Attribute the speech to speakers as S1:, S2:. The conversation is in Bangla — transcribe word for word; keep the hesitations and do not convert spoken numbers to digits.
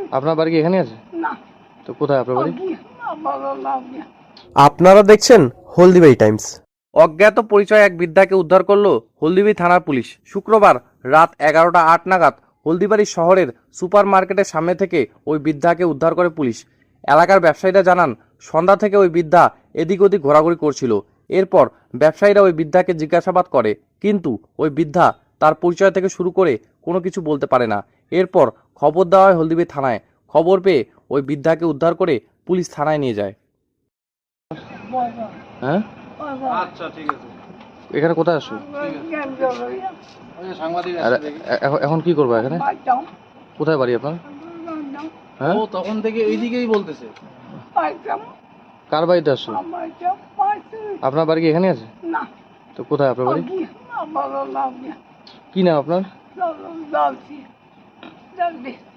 S1: আপনার বাড়ি কি এখানে আছে?
S2: না।
S1: তো কোথায় আপনার বাড়ি?
S3: আপনারা দেখছেন হলদিবাড়ি টাইমস।
S1: অজ্ঞাত পরিচয় এক বৃদ্ধাকে উদ্ধার করল হলদিবাড়ি থানার পুলিশ। শুক্রবার রাত এগারোটা আট নাগাদ হলদিবাড়ি শহরের সুপার মার্কেটের সামনে থেকে ওই বৃদ্ধাকে উদ্ধার করে পুলিশ। এলাকার ব্যবসায়ীরা জানান, সন্ধ্যা থেকে ওই বৃদ্ধা এদিক ওদিক ঘোরাঘুরি করছিল। এরপর ব্যবসায়ীরা ওই বৃদ্ধাকে জিজ্ঞাসাবাদ করে, কিন্তু ওই বৃদ্ধা তার পরিচয় থেকে শুরু করে কোনো কিছু বলতে পারে না। এরপর খবর দেওয়া হয় হলদিবাড়ি থানায়। খবর পেয়ে ওই বৃদ্ধাকে উদ্ধার করে পুলিশ থানায় নিয়ে যায়। হ্যাঁ,
S4: আচ্ছা ঠিক আছে।
S1: এখানে কোথায় আসো?
S4: সাংবাদিক
S1: আর এখন এখন কি করবো এখানে? কোথায় বাড়ি আপনার? হ্যাঁ,
S4: ও তখন থেকে এইদিকেই বলতেছে।
S1: কার বাড়িতে আসছো? আপনার বাড়ি কি এখানে আছে?
S2: না।
S1: তো কোথায় আপনার বাড়ি? কি নাম আপনার?